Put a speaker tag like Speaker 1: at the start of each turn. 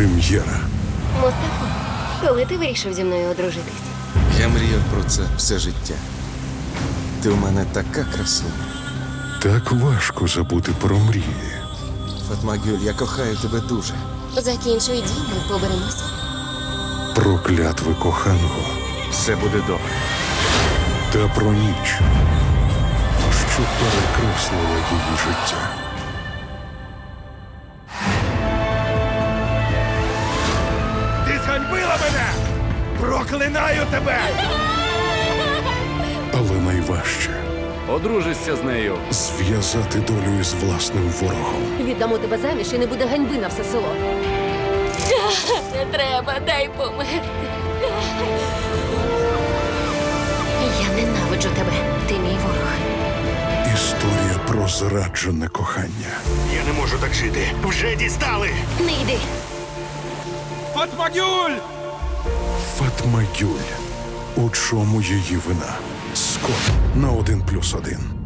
Speaker 1: Прем'єра.
Speaker 2: Мустафо, коли ти вирішив зі мною одружитись?
Speaker 3: Я мріяв про це все життя. Ти у мене така красуня.
Speaker 1: Так важко забути про мрії.
Speaker 3: Фатма Гюль, я кохаю тебе дуже.
Speaker 2: Закінчуй дім, ми поберемося.
Speaker 1: Про клятви коханого
Speaker 3: Все буде добре.
Speaker 1: та про ніч, що перекреслила її життя.
Speaker 4: Ти зганьбила мене! Проклинаю тебе!
Speaker 1: Але найважче
Speaker 5: Одружишся з нею.
Speaker 1: зв'язати долю із власним ворогом.
Speaker 6: Віддамо тебе заміж і не буде ганьби на все село.
Speaker 2: Не треба, дай померти. Я ненавиджу тебе, ти мій ворог.
Speaker 1: Історія про зраджене кохання.
Speaker 4: Я не можу так жити. Вже дістали!
Speaker 2: Не йди.
Speaker 4: Фатмагюль!
Speaker 1: Фатма Гюль. У чому її вина? Скоро на 1+1.